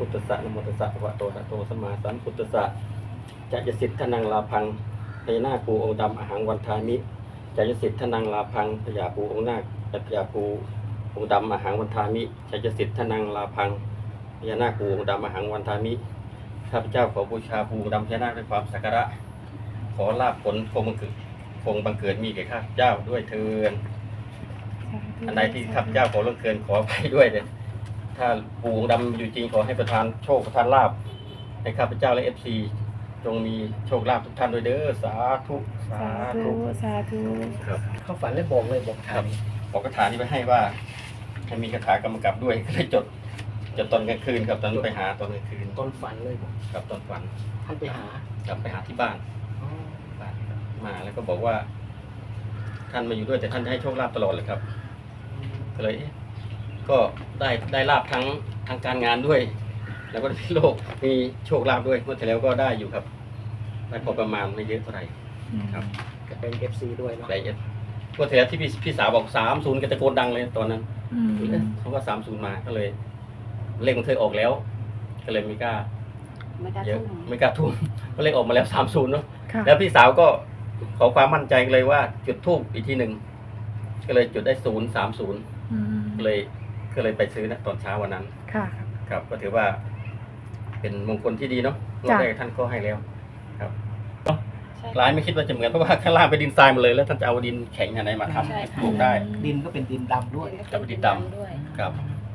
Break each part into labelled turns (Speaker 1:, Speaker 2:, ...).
Speaker 1: พุทธัสสะนะโมตัสสะภะคะวะโตอะระหะโตสัมมาสัมพุทธัสสะจะยสิทธนังลาพังพญานาคปูองค์ดำอหังวันทามิจะยสิทธนังลาพังพญาปูองค์นาคพญาปูองค์ดำอหังวันทามิจะยสิทธนังลาพังพญานาคปูองค์ดำอหังวันทามิข้าพเจ้าขอบูชาปูองค์ดำพญานาคด้วยความสักการะขอลาภผลคงบังเกิดมีแก่ข้าพเจ้าด้วยเถิดอันใดที่ข้าพเจ้าขอล่วงเกินขอไปด้วยเลยถ้าปูองค์ดำอยู่จริงขอให้ประทานโชคประทานลาภให้ข้าพเจ้าและFCจงมีโชคลาภทุกท่านด้วยเด้อสาธุสาธุ
Speaker 2: สาธุ
Speaker 1: ครับ
Speaker 3: เขาฝันแล้วบอกเลยบอก
Speaker 1: ค
Speaker 3: ทา
Speaker 1: รั
Speaker 3: ง
Speaker 1: บบอกคาถานี้ไปให้ว่าให้มีคาถากำกับด้วยก็เลยจดตอนกลางคืนครับตอนไปหาตอนกลางคืน
Speaker 3: ตอนฝันเลยบอก
Speaker 1: ครับตอนฝัน
Speaker 3: ท่านไปหาก
Speaker 1: ลับไปหาที่บ้านมาแล้วก็บอกว่า ท่านมาอยู่ด้วยแต่ท่านจะให้โชคลาภตลอดเลยครับก็เลยก็ได้ลาภทั้งการงานด้วย แล้วก็มีโลกมีโชคลาภด้วยเมื่อที่แล้วก็ได้อยู่ครับได้พอประมาณไม่เยอะเท่าไหร่ครับ
Speaker 3: ก็เป็น FC ด้วยเนาะ
Speaker 1: ได้เมื่อที่แล้วที่พี่สาวบอก30ก็ตะโกนดังเลยตอนนั้นเขาว่า30มาก็เลยเลขมันเคยออกแล้ว ก็เลยไม่กล้า
Speaker 2: ไม่กล้า
Speaker 1: เยอะ
Speaker 2: ทุ่ม
Speaker 1: ไม่กล้าทุ่มก็เลขออกมาแล้ว30เนาะ
Speaker 2: ค่ะ
Speaker 1: แล้วพี่สาวก็ขอความมั่นใจเลยว่าจุดทูบอีกทีหนึ่งก็เลยจุดได้030ก็เลยไปซื้อนะตอนเช้าวันนั้น
Speaker 2: ค่ะ
Speaker 1: ครับ ก็ถือว่า เป็นมงคลที่ดีเนาะรอบ
Speaker 2: จ้ะ
Speaker 1: แรกท่านก็ให้แล้วครับ
Speaker 2: ใช่
Speaker 1: หลายไม่คิดว่าจะเหมือนเพราะว่าข้างล่างเป็นดินทรายหมดเลยแล้วท่านจะเอาดินแข็งอะไรมาทำ
Speaker 2: ใช่
Speaker 1: ให้
Speaker 2: ค่ะ
Speaker 1: ปลูกได้
Speaker 3: ดินก็เป็นดินดำด้วย
Speaker 1: จะเป็นดินดำ
Speaker 2: ด้วย
Speaker 1: ครับ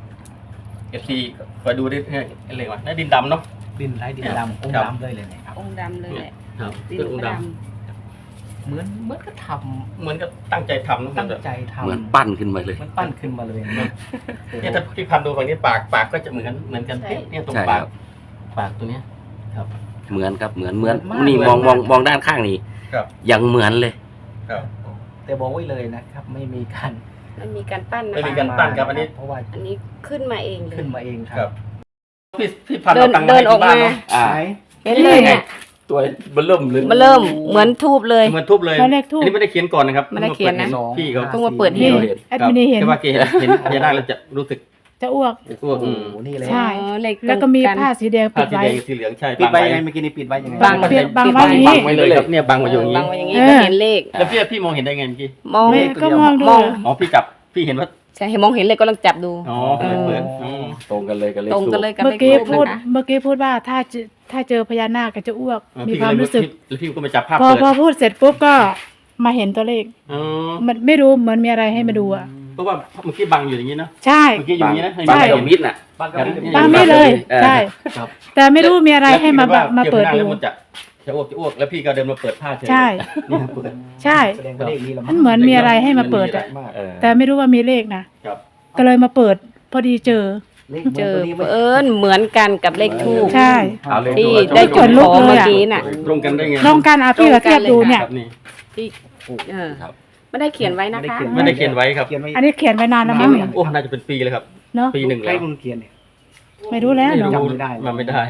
Speaker 1: FC คอยดูดิอะไรวะนั่นดินดำเนาะ
Speaker 3: ดินไรดิน
Speaker 1: ครับ
Speaker 3: ดำองค์
Speaker 1: ครับ
Speaker 3: ดำเลยนะครับ
Speaker 2: องค์ดำเลยแหละ
Speaker 1: ครับ
Speaker 2: ดิน
Speaker 1: เป็นองค์
Speaker 2: ก็
Speaker 1: ด
Speaker 2: ด
Speaker 3: เหมือนก็ท
Speaker 1: เหมือนกับตั้งใจทำนะ
Speaker 3: ำตั้งใจทำ
Speaker 4: เหมือนปั้นขึ้นมาเลย
Speaker 3: มันปั้นขึ้นมาเลยนะ
Speaker 1: เนี่ยถ้าพี่พันดูฝั่งนี้ปากก็จะเหมือนกันเนี่ยตรง
Speaker 4: ใช่
Speaker 1: ปาก
Speaker 4: ครับ
Speaker 1: ปากตัวเนี้ยครับ
Speaker 4: เหมือนครับเหมือนนี่มองด้านข้างนี่
Speaker 1: ครับ
Speaker 4: ยังเหมือนเลย
Speaker 1: ครับ
Speaker 3: แต่บอกไว้เลยนะครับ ไม่มีการ
Speaker 2: ำมันมีการปั้นนะ
Speaker 1: ไม่มี
Speaker 2: คะ
Speaker 1: การปั้นครับอันนี้
Speaker 3: เพราะว่า
Speaker 2: อันนี้ขึ้นมาเองเลย
Speaker 3: ขึ้นมาเองค
Speaker 1: ค
Speaker 3: รั
Speaker 1: รั
Speaker 3: บบ
Speaker 1: พี่พัน
Speaker 2: เดิ
Speaker 1: เอา
Speaker 2: น
Speaker 1: ตังค์
Speaker 2: เดิ
Speaker 1: มาน ให้
Speaker 2: ออก
Speaker 1: ที่บ้าน
Speaker 2: มา
Speaker 1: เนาะ
Speaker 4: อ่า
Speaker 3: ไหน
Speaker 2: เห็นเลยเนี่ย
Speaker 4: ตัวเบลเริ่มเลย
Speaker 2: มาเริ่มเหมือนทูบเลย
Speaker 1: เหมือนทุบเลย
Speaker 2: เหมือนเลขธูป
Speaker 1: อันนี้ไม่ได้เขียนก่อนนะครับ
Speaker 2: ไม่ได้เขียนนะ
Speaker 1: พี่เขา
Speaker 2: เพิ่งมาเปิดให้
Speaker 4: เราเห็น
Speaker 5: แอดมินเห็น
Speaker 1: แต่ว่าแกเห็นพญานาคแล้วจะรู้สึก
Speaker 5: จะอ้วก
Speaker 1: กลัว
Speaker 3: โอ้โหนี่เลย
Speaker 5: ใช่
Speaker 2: อ๋อเลขตรง
Speaker 5: แล้วก็มีผ้าสีแดง
Speaker 1: ผ้า
Speaker 5: ปิด
Speaker 1: สี
Speaker 5: ไว้
Speaker 1: แดงสีเหลืองใช่
Speaker 3: ปิดไว้
Speaker 1: บั
Speaker 3: ยังไงเมื่อกี้นี้ปิดไว้ยังไง
Speaker 2: บัง
Speaker 5: บังไว้อย่างนี้
Speaker 1: บังไว้เลยครับเนี่ยบังไว้อยู่อย่าง
Speaker 2: บั
Speaker 1: นี้
Speaker 2: งไว้อย่างนี้
Speaker 5: เออ
Speaker 2: ก็เห็นเลข
Speaker 1: แล้วพี่มองเห็นได้ไงเมื่อกี้
Speaker 2: มอง
Speaker 5: แม่ก็มองดู
Speaker 2: มอง
Speaker 1: อ๋อพี่เห็นว่า
Speaker 2: ใช่เห็นมองเห็นเลยก็ลองจับดู
Speaker 1: อ๋อเปิดอ๋อ
Speaker 4: ตรงกันเลยกันเลย
Speaker 2: ตรงกันเลยกับ
Speaker 5: เมื่
Speaker 2: เล
Speaker 5: อ
Speaker 2: ข
Speaker 5: กี้
Speaker 2: ทูบ
Speaker 5: พูด
Speaker 2: นะคะ
Speaker 5: เมื่อกี้พูดว่าถ้าเจอพญานาคก็จะอ้วก มี
Speaker 1: พี่
Speaker 5: ความรู้สึก
Speaker 1: แล้วพี่ก็มาจับภาพ
Speaker 5: พอ
Speaker 1: เปิด
Speaker 5: พอพูดเสร็จปุ๊บก็มาเห็นตัวเลข
Speaker 1: อ๋อ
Speaker 5: มันไม่รู้เหมือนมีอะไรให้มาดูอ่ะ
Speaker 1: เพราะว่าเมื่อกี้บังอยู่อย่างนี้นะ
Speaker 5: ใช่
Speaker 1: เมื่อกี้อยู่อย่างนี้นะ
Speaker 4: บาง
Speaker 5: ใช่
Speaker 4: เดมิดน่ะ
Speaker 3: บ้านก็
Speaker 5: บางไม่เลย
Speaker 4: เออ
Speaker 5: ใช่
Speaker 1: ครับ
Speaker 5: แต่ไม่รู้มีอะไรให้มา
Speaker 1: แล้วพี่
Speaker 5: มาเปิด
Speaker 1: ก็
Speaker 5: ดู
Speaker 1: ว่าเกี่ยวกับหน้าแล้วมันจะอ้วกแล้วพี่ก็เดินมาเปิดผ้าเฉย
Speaker 5: ใช่
Speaker 1: นี่เปิด
Speaker 5: ใช่
Speaker 3: แสดงว่าเลขนี้ละ
Speaker 5: มันเหมือนมีอะไรให้มาเปิดอ่ะ
Speaker 3: มาก
Speaker 4: เออ
Speaker 5: แต่ไม่รู้ว่ามีเลขนะครับ ก็เลยมาเปิด พอดีเจอ
Speaker 3: เลข
Speaker 2: เจอ
Speaker 3: นี้ไม่
Speaker 2: เหมือนกันกับเลขทูบ
Speaker 5: ใช่
Speaker 4: เอาเลย
Speaker 2: ที่
Speaker 4: ดู
Speaker 2: ได้
Speaker 4: ว่า
Speaker 2: จุด
Speaker 5: ขนลุ
Speaker 2: ข
Speaker 5: ก
Speaker 2: อ
Speaker 5: เลยอะ
Speaker 2: เมื่อกี้น่ะ
Speaker 1: ตรงกันได้ไง
Speaker 5: ลองกันเอาพี่กับเทียบดูเนี่ย
Speaker 1: ครับนี่
Speaker 2: ที่เออ
Speaker 4: ครับ
Speaker 2: ไม่ได้เขียนไว้นะคะ
Speaker 1: ไม่ได้เขียนไว้ครับ
Speaker 3: เขียนไว้
Speaker 5: อันนี้เขียนไว้นานแล้วมั้งเนี่ย
Speaker 1: โอ้น่าจะเป็นปีเลยครับ
Speaker 5: เนาะ
Speaker 1: ปีหนึ่ง
Speaker 3: ใคร
Speaker 1: แล้ว
Speaker 3: มึงเขียนเนี่ย
Speaker 5: ไม่รู้แล้ว
Speaker 1: ไม่
Speaker 5: เนาะ
Speaker 1: รู้
Speaker 3: จำไม่ได้
Speaker 1: มาไม่ได้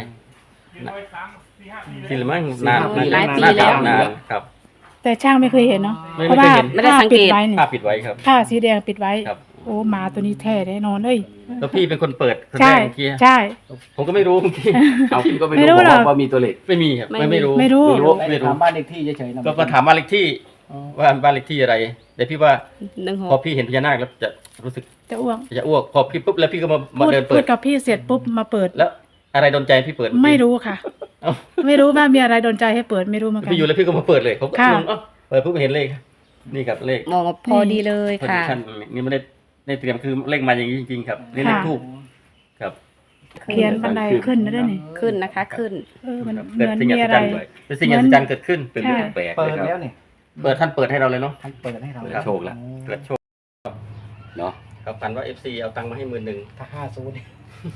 Speaker 1: ทีละมั้งนาน
Speaker 2: หลายปี
Speaker 1: น่
Speaker 2: แล้ว
Speaker 1: นานครับ
Speaker 5: แต่ช่างไม่เคยเห็นเนาะ
Speaker 1: ไม่
Speaker 5: เพราะ
Speaker 1: เค
Speaker 5: ว่าย
Speaker 1: เห็น
Speaker 2: ไม่ได้สังเกต
Speaker 5: ผ้าปิดไว้นี่
Speaker 1: ผ้าปิดไว้ครับ
Speaker 5: ผ้าสีแดงปิดไว้
Speaker 1: ครับ
Speaker 5: โอ้หมาตัวนี้แท้แน่นอนเลย
Speaker 1: แล้วพี่เป็นคนเปิดคนแร
Speaker 5: ใช่
Speaker 1: กเมื่อกี้
Speaker 5: ใช่
Speaker 1: ผมก็ไม่รู้เมื่อกี้
Speaker 4: เอาพี่ก็ไม่
Speaker 5: ไม่รู้
Speaker 4: รู้
Speaker 5: หรอก
Speaker 4: ว่ามีตัวเลข
Speaker 1: ไม่มีครับ ไม่รู้
Speaker 5: ไม่รู้
Speaker 3: ไม่ถามบ้านเลขที่เฉยๆนะ
Speaker 1: ก็มาถามบ้านเลขที่ว่าบ้านเลขที่อะไรแต่พี่ว่า
Speaker 2: 16
Speaker 1: พอพี่เห็นพญานาคแล้วจะรู้สึก
Speaker 5: จะอ้วก
Speaker 1: จะอ้วกพอพี่ปุ๊บแล้วพี่ก็มา
Speaker 5: พูด
Speaker 1: เดิน
Speaker 5: พู
Speaker 1: เปิ
Speaker 5: ด
Speaker 1: ด
Speaker 5: กับพี่เสร็จปุ๊บมาเปิด
Speaker 1: แล้วอะไรโดนใจพี่เปิด
Speaker 5: ไม่รู้ค่ะ
Speaker 1: เอ้า
Speaker 5: ไม่รู้ว่ามีอะไรโดนใจให้เปิดไม่รู้เหมือนกัน
Speaker 1: พี่อยู่แล้วพี่ก็มาเปิดเลยผมก็
Speaker 5: ค่ะ
Speaker 1: งงเอ้าเปิดปุ๊บเห็นเลขนี่ครับเลข
Speaker 2: มองว่าพอดีเลย
Speaker 1: พอดี
Speaker 2: ค่ะ
Speaker 1: ท่านนี่ไม่ได้เตรียมคือเลขมาอย่างนี้จริงๆครับนี่เลขทูบครับ
Speaker 5: เขียนบันไดขึ้นนะด้วยนี่
Speaker 2: ขึ้นนะคะขึ้น
Speaker 5: มัน
Speaker 1: ครับ
Speaker 5: เห
Speaker 1: เกิด
Speaker 5: มือน
Speaker 1: สิ่ง
Speaker 5: มี
Speaker 1: อัศ
Speaker 5: อะไร
Speaker 1: จรรย์ด้วยเป็นสิ่งอัศจรรย์เกิดขึ้น
Speaker 4: เป็นเรื่องแปลก
Speaker 3: เปิ
Speaker 4: เล
Speaker 3: ด
Speaker 4: ยค
Speaker 3: แล้
Speaker 4: รั
Speaker 3: ว
Speaker 4: บ
Speaker 3: เนี่ย
Speaker 1: ท่านเปิดให้เราเลยเนาะ
Speaker 3: ท่านเปิดให้เรา
Speaker 4: เปิดโชคแล้ว
Speaker 1: เกิดโชค
Speaker 4: เนาะ
Speaker 1: ครับพันว่า FC เอาตังค์มาให้10,000
Speaker 3: ถ้า50เนี่ย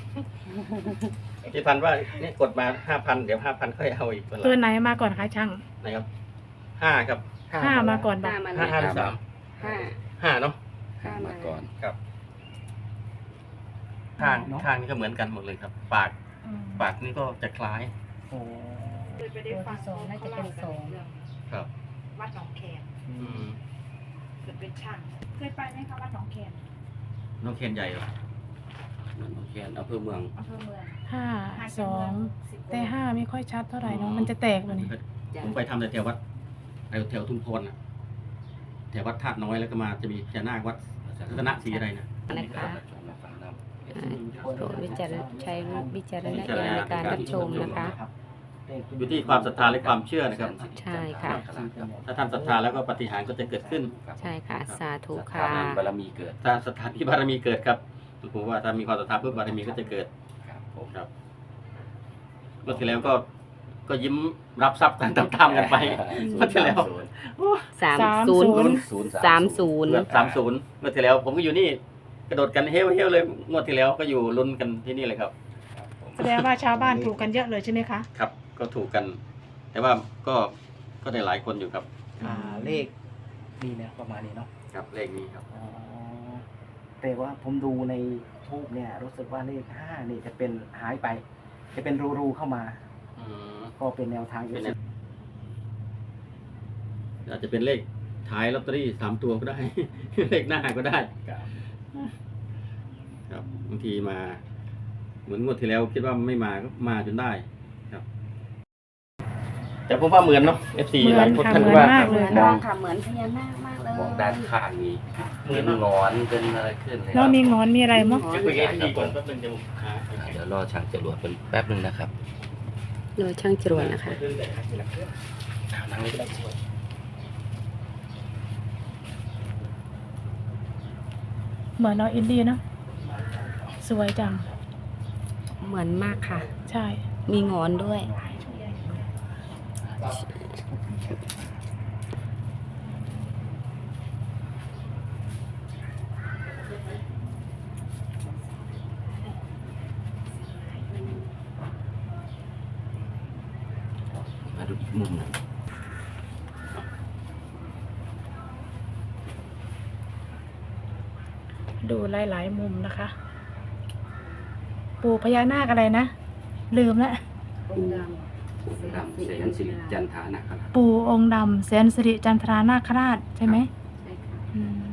Speaker 1: พี่พันว่าเนี่ยกดมา 5,000 เดี๋ยว 5,000ค่อยเอาอีก
Speaker 5: ตัวไหนมาก่อนคะช่าง
Speaker 1: นะครับ5ครับ
Speaker 5: ห้ามาก่อน
Speaker 2: ห
Speaker 5: บอ
Speaker 2: น้าก มัน
Speaker 1: 5 5หรือ
Speaker 2: ห้า
Speaker 1: 3 5เนาะ
Speaker 2: ห้า
Speaker 4: มา
Speaker 2: มา
Speaker 4: ก่อน
Speaker 1: ครับข้างนี่ก็เหมือนกันหมดเลยครับ ปากนี่ก็จะคล้าย
Speaker 3: โอ้
Speaker 6: เคยไปได้ฟัง
Speaker 2: ตัวที่สองน่าจะเป็นสอง
Speaker 6: เรื่อง
Speaker 1: ครับ
Speaker 6: วัดหนองแคน
Speaker 1: อืม
Speaker 6: เกิดเป็นช่างเคยไปไหมคะวัดหนองแคน
Speaker 1: น้องเคนใหญ่เหรอ
Speaker 4: โอเคอำเภอเมือง
Speaker 5: 52แต่5ไม่ค่อยชัดเท่าไหร่เนาะมันจะแตกเลยนี่
Speaker 1: ผมไปทำแต่แถววัดแถวทุ่งโพนนะแถววัดธาตุน้อยแล้วก็มาจะมีพญานาควัดรัตนศรีอะไรนะ
Speaker 2: นะคะโปรดวิจารณใช้วิจารณญาณในการรับชมนะคะ
Speaker 1: อยู่ที่ความศรัทธาและความเชื่อนะครับ
Speaker 2: ใช่ค่ะ
Speaker 1: ถ้าท่านศรัทธาแล้วก็ปาฏิหาริย์ก็จะเกิดขึ้น
Speaker 2: ใช่ค่ะ สาธุ
Speaker 4: ครั
Speaker 2: ค่ะ
Speaker 4: บบารมีเกิด
Speaker 1: ถ้าศรัทธาที่บารมีเกิดครับผมว่าถ้ามีความศรัทธาเพื่อบารมีก็จะเกิด
Speaker 4: ครับผม
Speaker 1: ครับเมื่อที่แล้วก็ยิ้มรับทรัพย์กันตามๆกันไปเมื่อที่แล้ว
Speaker 2: 30 30
Speaker 1: เกือบ30เมื่อที่แล้ว ผมก็อยู่นี่กระโดดกันเฮ้วเลยงวดที่แล้วก็อยู่ลุ้นกันที่นี่เลยครับ
Speaker 5: แสดงว่าชาวบ้านถูกกันเยอะเลยใช่ไหมคะ
Speaker 1: ครับ ก็ถูกกัน แต่ว่าก็ได้หลายคนอยู่ครับ
Speaker 3: เลขนี่เนี่ยประมาณนี้เนาะ
Speaker 1: ครับเลขนี้ครับ
Speaker 3: อ๋อแต่ว่าผมดูในทูบเนี่ย รู้สึกว่าเลข5นี่จะเป็นหายไป จะเป็นรูเข้ามา ก็เป็นแนวทางอยู่
Speaker 1: อาจจะเป็นเลขท้ายลอตเตอรี่3 ตัวก็ได้ เลขหน้าก็ได้ ครับบางทีมาเหมือนงวดที่แล้วคิดว่าไม่มาก็มาจนได้ครับ แต่ผมว่าเหมือนเนาะ FC
Speaker 5: เหมือน
Speaker 1: หลายคน
Speaker 5: ค่ะ
Speaker 1: ท่าน
Speaker 5: เหมือน
Speaker 1: ว่า
Speaker 5: มากเลย
Speaker 2: มองค่ะเหมือนพญานาคมากเลย
Speaker 4: มองด้านข้างนี้เป็นหงอนเป็นอะไรขึ้นเลยค
Speaker 5: แล้
Speaker 4: รั
Speaker 5: ว
Speaker 4: บ
Speaker 5: มีงอนมีอะไรมั้ง
Speaker 1: จะคุยกับ FC ก่อนแป๊บนึงจะหา
Speaker 4: เดี๋ยวรอช่างจรวดเป็นแป๊บนึงนะครับ
Speaker 2: โดยช่างจรวดนะคะ
Speaker 4: นั่งเลยก็ได้
Speaker 5: เหมือนน้องอินดี้เนาะสวยจัง
Speaker 2: เหมือนมากค่ะ
Speaker 5: ใช่
Speaker 2: มีงอนด้วย
Speaker 4: มาดูอีกมุมหนึ่ง
Speaker 5: ดูหลายๆมุมนะคะ ปู่พญานาคอะไรนะ ลืมแล้ว
Speaker 4: ดำเสียนสิริจันทานะครับ
Speaker 5: ปู่องค์ดำแสนสิริจันทรานาคราชใช่ไหมอืม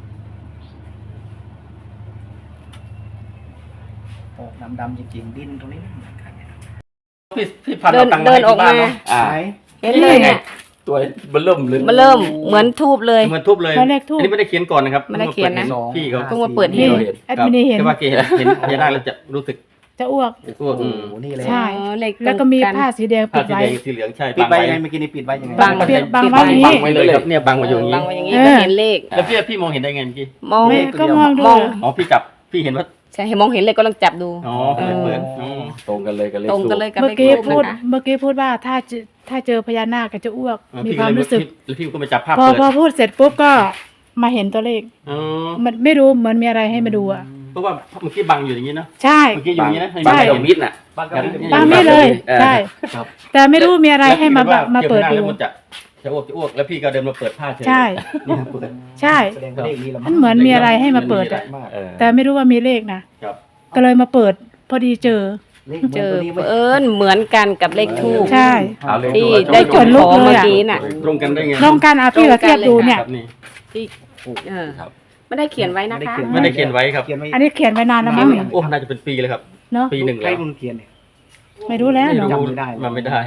Speaker 3: โอ้ดำๆจริงๆดินตรงนี้ไม่เหมือนกันเนี่ย
Speaker 1: พี่พันเอาตังค์มาให้ที่บ้านเนาะ
Speaker 4: อ่า
Speaker 3: ไหน
Speaker 2: เห็นเลยเนี่ย
Speaker 4: ตัวเบลเริ่มเลย
Speaker 2: มาเริ่มเหมือนทูบเลย
Speaker 1: เหมือนทุบเลย
Speaker 5: แล้วเลขทูป
Speaker 1: อันนี้ไม่ได้เขียนก่อนนะครับ
Speaker 2: ไม่ได้เขียนนะ
Speaker 1: พี่เขา
Speaker 2: เพิ่งมาเปิดให้
Speaker 5: นี่
Speaker 2: ดู
Speaker 5: แอดมินเห็น
Speaker 1: แต่ว่าเกเห็นพญานาคแล้วจะรู้สึก
Speaker 5: จะอ้วก
Speaker 1: ตัว
Speaker 3: โอ้โหนี่เลย
Speaker 5: ใช่
Speaker 2: อ๋อเลขตรง
Speaker 5: แล้วก็มี
Speaker 2: น
Speaker 5: ผ้าสีแดง
Speaker 1: ผ้า
Speaker 5: ปิด
Speaker 1: สี
Speaker 5: ไว้
Speaker 1: แดงสีเหลืองใช่
Speaker 3: ปิดไว้ยังไง
Speaker 1: ไว้
Speaker 3: เมื่อกี้นี้ปิดไว้ยังไง
Speaker 2: บัง
Speaker 5: เปลี่ยนบัง
Speaker 2: ปิด
Speaker 5: ไว้อย่างนี้
Speaker 1: บังไว้เลยครับเนี่ยบังมาอยู่อย่าง
Speaker 2: บั
Speaker 1: นี้
Speaker 2: งไว้อย่างนี้
Speaker 5: เออ
Speaker 2: ก็เห็นเลข
Speaker 1: แล้วพี่มองเห็นได้ไงเมื่อกี้
Speaker 2: มอง
Speaker 5: แม่ก็มองดู
Speaker 2: มอง
Speaker 1: อ๋อพี่เห็นว่า
Speaker 2: ใช่มองเห็นเลยก็ลองจับดู
Speaker 1: อ๋อเปิดอ๋อ
Speaker 4: ตรงกันเลยกันเลย
Speaker 2: ตรงกันเลยกับ
Speaker 5: เมื่
Speaker 2: เล
Speaker 5: อ
Speaker 2: ข
Speaker 5: กี้
Speaker 2: ทูบ
Speaker 5: พูด
Speaker 2: นะคะ
Speaker 5: เมื่อกี้พูดว่าถ้าเจอพญานาคก็จะอ้วก มี
Speaker 1: พี่
Speaker 5: ความรู้สึก
Speaker 1: แล้วพี่ก็ไปจับภาพ
Speaker 5: พอ
Speaker 1: เปิด
Speaker 5: พอพูดเสร็จปุ๊บก็มาเห็นตัวเลข
Speaker 1: อ๋อ
Speaker 5: มันไม่รู้เหมือนมีอะไรให้มาดูอ่ะ
Speaker 1: เพราะว่าเมื่อกี้บังอยู่อย่างนี้นะ
Speaker 5: ใช่
Speaker 1: เมื่อกี้อยู่อย่างนี้นะ
Speaker 4: บาง
Speaker 5: ใช่
Speaker 4: กับมิดน่ะ
Speaker 3: บ้านก็ไม่
Speaker 5: บางไม่เลย
Speaker 4: เออ
Speaker 5: ใช่
Speaker 1: ครับ
Speaker 5: แต่ไม่รู้มีอะไรให้มา
Speaker 1: แล้วพี่
Speaker 5: มาเปิด
Speaker 1: จอพญ
Speaker 5: ดู
Speaker 1: นคแล้วมันจะอ้วกแล้วพี่ก็เดินมาเปิดผ้าเฉย
Speaker 5: ใช่
Speaker 1: เนี่ยเปิด
Speaker 5: ใช่
Speaker 3: แสดงว่าเลขนี้ละ
Speaker 5: มันเหมือนมีอะไรให้มาเปิดอ่ะ
Speaker 3: มาก
Speaker 4: เออ
Speaker 5: แต่ไม่รู้ว่ามีเลขนะครับ ก็เลยมาเปิด พอดีเจอ
Speaker 3: เลขเหมือน
Speaker 2: เจอ
Speaker 3: ตัวนี้ไหม
Speaker 2: เอิญเหมือนกันกับเลขทูบ
Speaker 5: ใช่
Speaker 4: เอาเลย
Speaker 2: ที่
Speaker 4: ตัว
Speaker 2: ได้
Speaker 5: ขนลุ
Speaker 2: ข
Speaker 5: ก
Speaker 2: อ
Speaker 5: เลย
Speaker 2: เมื่อ
Speaker 5: อะ
Speaker 2: กี้น่ะ
Speaker 1: ตรงกันได้ไง
Speaker 5: ลองกันเอาพี่กับเทียบดูเนี่ย
Speaker 1: ครับนี่
Speaker 2: ที่เออ
Speaker 4: ครับ
Speaker 2: ไม่ได้เขียนไว้นะคะ
Speaker 1: ไม่ได้เขียนไว้ครับ
Speaker 3: เขียนไว้
Speaker 5: อันนี้เขียนไว้นานแล้วมั้งเนี่ย
Speaker 1: โอ้น่าจะเป็นปีเลยครับ
Speaker 5: เนาะ
Speaker 1: ปีหนึ่ง
Speaker 3: ใคร
Speaker 1: แล้ว
Speaker 3: มันเขียนเนี่ย
Speaker 5: ไม่รู้แล้ว
Speaker 1: ไม่
Speaker 5: เนาะ
Speaker 1: รู้
Speaker 3: จำไม่ได้
Speaker 1: มาไม่ได้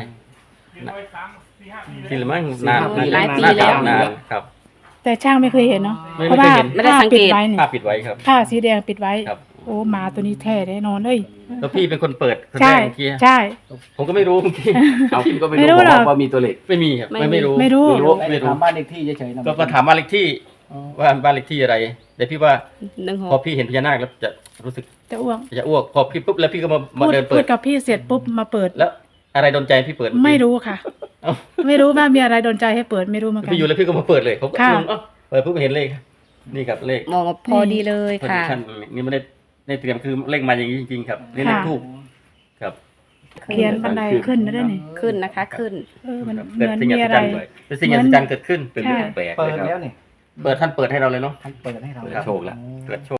Speaker 1: ทีละมั้งนาน
Speaker 2: หลายปี
Speaker 1: น่
Speaker 2: แล้ว
Speaker 1: นานครับ
Speaker 5: แต่ช่างไม่เคยเห็นเนาะ
Speaker 1: ไม่
Speaker 5: เพราะว่า
Speaker 1: เคยเห็น
Speaker 2: ไม่ได้
Speaker 5: ผ้า
Speaker 2: สังเก
Speaker 5: ปิด
Speaker 2: ต
Speaker 5: ไว้นี่
Speaker 1: ผ้าปิดไว้ครับ
Speaker 5: ผ้าสีแดงปิดไว้
Speaker 1: ครับ
Speaker 5: โอ้หมาตัวนี้แท้แน่นอนเลย
Speaker 1: แล้วพี่เป็นคนเปิดคนแร
Speaker 5: ใช่
Speaker 1: กเมื่อกี้
Speaker 5: ใช่
Speaker 1: ผมก็ไม่รู้เมื่อกี้
Speaker 4: เอาพี่ก็ไม่
Speaker 5: ไม่รู้
Speaker 4: รู้
Speaker 5: หรอก
Speaker 4: ว่ามีตัวเลข
Speaker 1: ไม่มีครับ
Speaker 2: ไม่
Speaker 1: ไม่รู้
Speaker 5: ไม่รู้
Speaker 3: ไม่ถามบ้านเลขที่เฉยๆนะ
Speaker 1: ก็มาถามบ้านเลขที่ว่าบ้านเลขที่อะไรแต่พี่ว่า
Speaker 2: 16
Speaker 1: พอพี่เห็นพญานาคแล้วจะรู้สึก
Speaker 5: จะอ้วก
Speaker 1: จะอ้วกพอพี่ปุ๊บแล้วพี่ก็มา
Speaker 5: พูด
Speaker 1: เดิน
Speaker 5: พู
Speaker 1: เปิ
Speaker 5: ด
Speaker 1: ด
Speaker 5: กับพี่เสร็จปุ๊บมาเปิด
Speaker 1: แล้วอะไรโดนใจพี่เปิด
Speaker 5: ไม่รู้ค่ะ
Speaker 1: เอ้า
Speaker 5: ไม่รู้ว่ามีอะไรโดนใจให้เปิดไม่รู้เหมือนกัน
Speaker 1: พี่อยู่แล้วพี่ก็มาเปิดเลยผมก็
Speaker 5: ค่ะ
Speaker 1: งงเอ้าเปิดปุ๊บเห็นเลขนี่ครับเลข
Speaker 2: มองมาพอดีเลยค่ะ
Speaker 1: ท่านนี่ไม่ได้เตรียมคือเลขมาอย่างนี้จริงๆครับนี่เลขทูบครับ
Speaker 5: เขียนบันไดขึ้นนะด้วยนี่
Speaker 2: ขึ้นนะคะขึ้น
Speaker 5: มัน
Speaker 1: ครับ
Speaker 5: เหมื
Speaker 1: เกิด
Speaker 5: อน
Speaker 1: สิ่ง
Speaker 5: มี
Speaker 1: อัศ
Speaker 5: อะไร
Speaker 1: จรรย์เลยเป็นสิ่งอัศจรรย์เกิดขึ้น
Speaker 4: เป็นเรื่องแปลก
Speaker 3: เปิ
Speaker 4: เล
Speaker 3: ด
Speaker 4: ยค
Speaker 3: แล้
Speaker 4: รั
Speaker 3: ว
Speaker 4: บ
Speaker 3: เนี่ย
Speaker 1: เปิดท่านเปิดให้เราเลยเนาะ
Speaker 3: ท่านเปิดให้เรา
Speaker 4: เปิดโชคแล้ว
Speaker 1: เกิดโชค